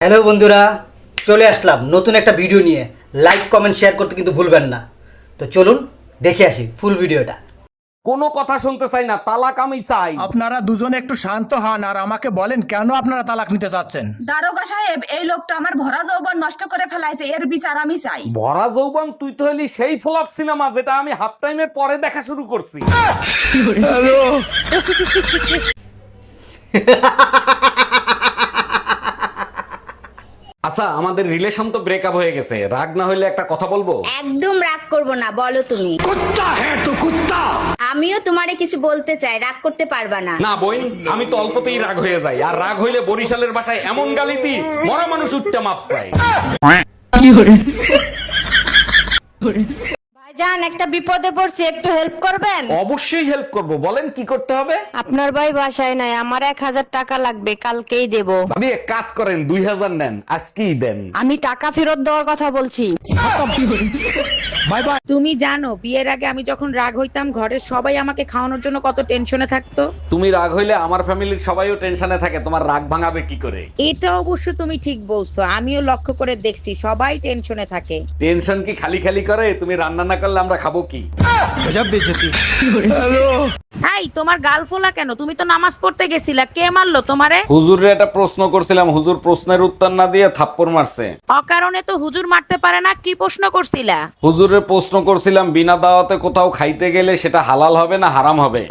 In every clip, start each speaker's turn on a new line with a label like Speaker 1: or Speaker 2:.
Speaker 1: Hello বন্ধুরা, চলে আসলাম নতুন একটা ভিডিও নিয়ে। লাইক কমেন্ট শেয়ার করতে কিন্তু ভুলবেন না। তো চলুন দেখে আসি ফুল ভিডিওটা।
Speaker 2: কোনো কথা শুনতে চাই না, তালাক আমি চাই।
Speaker 3: আপনারা দুজনে একটু শান্ত হন আর আমাকে বলেন কেন আপনারা তালাক নিতে চাচ্ছেন।
Speaker 4: দারোগা সাহেব, এই লোকটা আমার ভরা যৌবন নষ্ট করে ফেলাইছে, এর বিচার আমি চাই।
Speaker 2: ভরা যৌবন তুই তো হলি সেই ফ্লপ সিনেমা যেটা আমি হাফ টাইমের পরে দেখা শুরু করছি। আচ্ছা, আমাদের রিলেশন তো ব্রেকআপ হয়ে গেছে, রাগ না হইলে একটা কথা বলবো?
Speaker 5: একদম রাগ করব না, বলো তুমি। আমিও তোমারে কিছু বলতে চাই, রাগ করতে পারবা না।
Speaker 2: না বোন, আমি তো অল্পতেই রাগ হয়ে যাই, আর রাগ হইলে বরিশালের ভাষায় এমন গালি দিই মরা মানুষ উঠতে মাপ চাই।
Speaker 5: ভাইজান, একটা বিপদে পড়ছি, একটু হেল্প করবেন?
Speaker 2: অবশ্যই হেল্প করব, বলেন কি করতে হবে?
Speaker 5: আপনার ভাই বাসায় নাই, আমার 1000 টাকা লাগবে, কালকেই দেব।
Speaker 2: ভাবি এক কাজ করেন, 2000 নেন, আজকেই দেন।
Speaker 5: আমি টাকা ফেরত দেওয়ার কথা বলছি।
Speaker 3: Bye bye.
Speaker 4: তুমি জানো বিয়ের আগে আমি যখন রাগ হইতাম ঘরের সবাই আমাকে খাওয়ানোর জন্য কত টেনশনে থাকতো।
Speaker 2: তুমি রাগ হইলে আমার ফ্যামিলির সবাইও টেনশনে থাকে, তোমার রাগ ভাঙাবে কি করে?
Speaker 4: এটা অবশ্য তুমি ঠিক বলছো, আমিও লক্ষ্য করে দেখছি সবাই টেনশনে থাকে।
Speaker 2: টেনশন কি খালি খালি করে? তুমি রান্না না করলে আমরা খাবো কি?
Speaker 4: এই তোমার গাল ফোলা কেন? তুমি তো নামাজ পড়তে গেছিলা, কে মারলো তোমারে?
Speaker 2: হুজুরে একটা প্রশ্ন করছিলাম, হুজুর প্রশ্নের উত্তর না দিয়ে থাপ্পড় মারছে।
Speaker 4: অকারণে তো হুজুর মারতে পারে না, কি প্রশ্ন করছিলা?
Speaker 2: হুজুরে প্রশ্ন করছিলাম, বিনা দাওয়াতে কোথাও খাইতে গেলে সেটা হালাল হবে না হারাম হবে?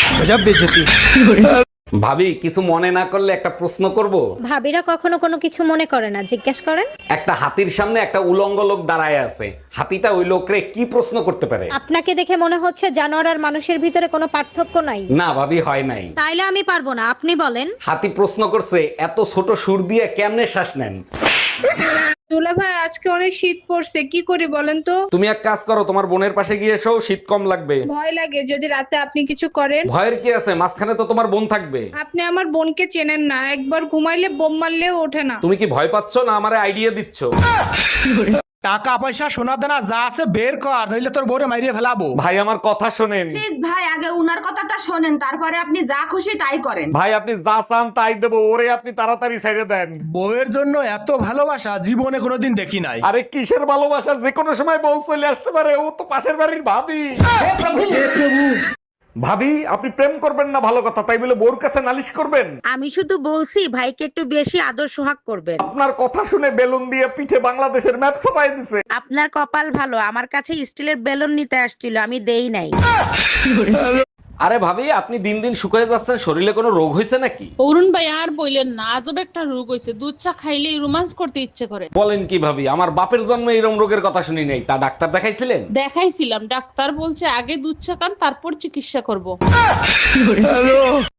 Speaker 2: ভাবি কিছু মনে না করলে একটা প্রশ্ন করব?
Speaker 5: ভাবিরা কখনো কোনো কিছু মনে করে না, জিজ্ঞেস করেন।
Speaker 2: একটা হাতির সামনে একটা উলঙ্গ লোক দাঁড়ায় আছে, হাতিটা ওই লোকরে কি প্রশ্ন করতে পারে?
Speaker 5: আপনাকে দেখে মনে হচ্ছে জানোয়ার আর মানুষের ভিতরে কোনো পার্থক্য নাই।
Speaker 2: না ভাবি, হয় নাই।
Speaker 5: তাইলে আমি পারবো না, আপনি বলেন।
Speaker 2: হাতি প্রশ্ন করছে, এত ছোট সুর দিয়ে কেমনে শ্বাস নেন?
Speaker 6: দুলা ভাই, আজকে অনেক শীত পড়ছে, কি করি বলেন তো?
Speaker 2: তুমি এক কাজ করো, তোমার বোনের পাশে গিয়ে এসো, শীত কম লাগবে।
Speaker 6: ভয় লাগে যদি রাতে আপনি কিছু করেন।
Speaker 2: ভয়ের কি আছে, মাঝখানে তো তোমার বোন থাকবে।
Speaker 6: আপনি আমার বোনকে চেনেন না, একবার ঘুমাইলে বোম মারলেও ওঠে না।
Speaker 2: তুমি কি ভয় পাচ্ছ না আমারে আইডিয়া দিচ্ছ?
Speaker 3: টাকা পয়সা সোনা দানা যা আছে বের কর, নইলে তোর বউরে মাইরিয়ে ফেলাবো।
Speaker 2: ভাই আমার কথা শোনেন।
Speaker 4: প্লিজ ভাই, আগে উনার কথাটা শোনেন, তারপরে আপনি যা খুশি তাই করেন।
Speaker 2: ভাই আপনি যা চান তাই দেবো, ওরে আপনি তাড়াতাড়ি ছেড়ে দেন।
Speaker 3: বউয়ের জন্য এত ভালোবাসা জীবনে কোনোদিন দেখি নাই।
Speaker 2: আরে কিসের ভালোবাসা, যে কোনো সময় বউ চলে আসতে পারে, ও তো পাশের বাড়ির ভাবি। ভাবি আপনি প্রেম করবেন না ভালো কথা, তাই বলে বউর কাছে নালিশ করবেন?
Speaker 4: আমি শুধু বলছি ভাইকে একটু বেশি আদর সোহাগ করবেন।
Speaker 2: আপনার কথা শুনে বেলুন দিয়ে পিঠে বাংলাদেশের ম্যাপ ছাপাই দিছে।
Speaker 4: আপনার কপাল ভালো, আমার কাছে স্টিলের বেলুন নিতে আসছিল, আমি দেই নাই।
Speaker 2: আরে ভাবি আপনি দিন দিন শুকিয়ে যাচ্ছেন, শরীরে কোনো রোগ হয়েছে নাকি?
Speaker 7: অরুণ ভাই আর বললেন না, আজব একটা রোগ হয়েছে, দুধ চা খাইলেই রোমান্স করতে ইচ্ছে করে।
Speaker 2: বলেন কি ভাবি, আমার বাপের জন্মে এরকম রোগের কথা শুনি নাই, তা ডাক্তার দেখাইছিলেন?
Speaker 7: দেখাইছিলাম, ডাক্তার বলছে আগে দুধ চা খান, তারপর চিকিৎসা করব।